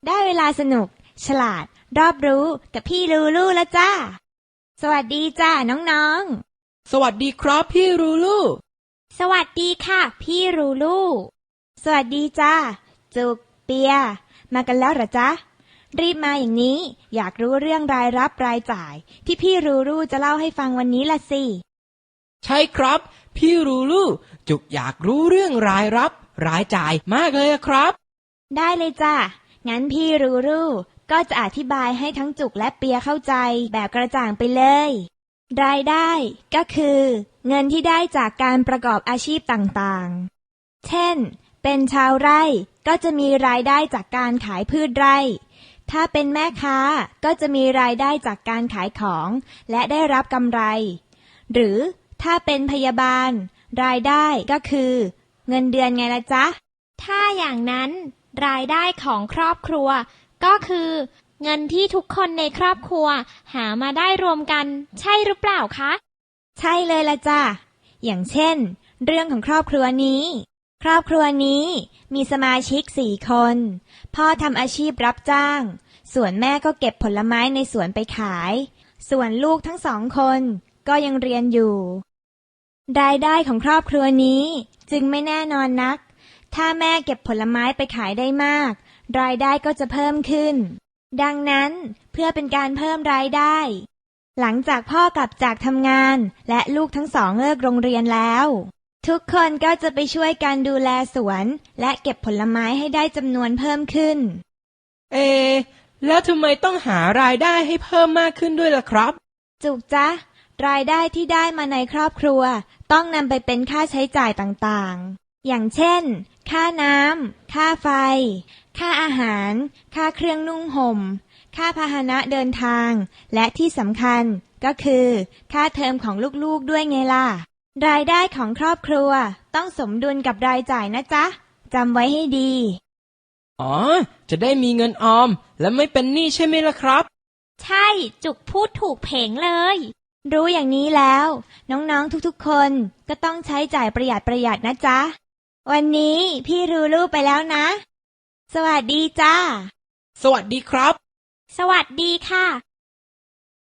ได้เวลาสนุกฉลาดรอบรู้กับพี่ลูลูแล้วจ้าสวัสดีจ้าน้องสวัสดีครับพี่ลูลูๆสวัสดีค่ะพี่ลูลูสวัสดีจ้าจุกเปียมากันแล้วเหรอจ๊ะรีบมาอย่างนี้อยากรู้เรื่องรายรับรายจ่ายที่พี่ลูลูจะเล่าให้ฟังวันนี้ละสิใช่ครับพี่ลูลูจุกอยากรู้เรื่องรายรับรายจ่ายมากเลยครับได้เลยจ้างั้นพี่ลูลูก็จะอธิบายให้ทั้งจุกและเปียเข้าใจแบบกระจ่างไปเลยรายได้ก็คือเงินที่ได้จากการประกอบอาชีพต่างๆเช่นเป็นชาวไร่ก็จะมีรายได้จากการขายพืชไร่ถ้าเป็นแม่ค้าก็จะมีรายได้จากการขายของและได้รับกำไรหรือถ้าเป็นพยาบาลรายได้ก็คือเงินเดือนไงล่ะจ๊ะถ้าอย่างนั้นรายได้ของครอบครัวก็คือเงินที่ทุกคนในครอบครัวหามาได้รวมกันใช่หรือเปล่าคะใช่เลยล่ะจ้ะอย่างเช่นเรื่องของครอบครัวนี้ครอบครัวนี้มีสมาชิก4 คนพ่อทำอาชีพรับจ้างส่วนแม่ก็เก็บผลไม้ในสวนไปขายส่วนลูกทั้ง2 คนก็ยังเรียนอยู่รายได้ของครอบครัวนี้จึงไม่แน่นอนนักถ้าแม่เก็บผลไม้ไปขายได้มากรายได้ก็จะเพิ่มขึ้นดังนั้นเพื่อเป็นการเพิ่มรายได้หลังจากพ่อกลับจากทำงานและลูกทั้ง2เลิกโรงเรียนแล้วทุกคนก็จะไปช่วยกันดูแลสวนและเก็บผลไม้ให้ได้จำนวนเพิ่มขึ้นแล้วทำไมต้องหารายได้ให้เพิ่มมากขึ้นด้วยล่ะครับจุกจ๊ะรายได้ที่ได้มาในครอบครัวต้องนำไปเป็นค่าใช้จ่ายต่างๆอย่างเช่นค่าน้ำค่าไฟค่าอาหารค่าเครื่องนุ่งห่มค่าพาหนะเดินทางและที่สำคัญก็คือค่าเทอมของลูกๆด้วยไงล่ะรายได้ของครอบครัวต้องสมดุลกับรายจ่ายนะจ๊ะจำไว้ให้ดีจะได้มีเงินออมและไม่เป็นหนี้ใช่ไหมล่ะครับใช่จุกพูดถูกเพ่งเลยรู้อย่างนี้แล้วน้องๆทุกๆคนก็ต้องใช้จ่ายประหยัดนะจ๊ะวันนี้พี่ลูลูไปแล้วนะสวัสดีจ้าสวัสดีครับสวัสดีค่ะ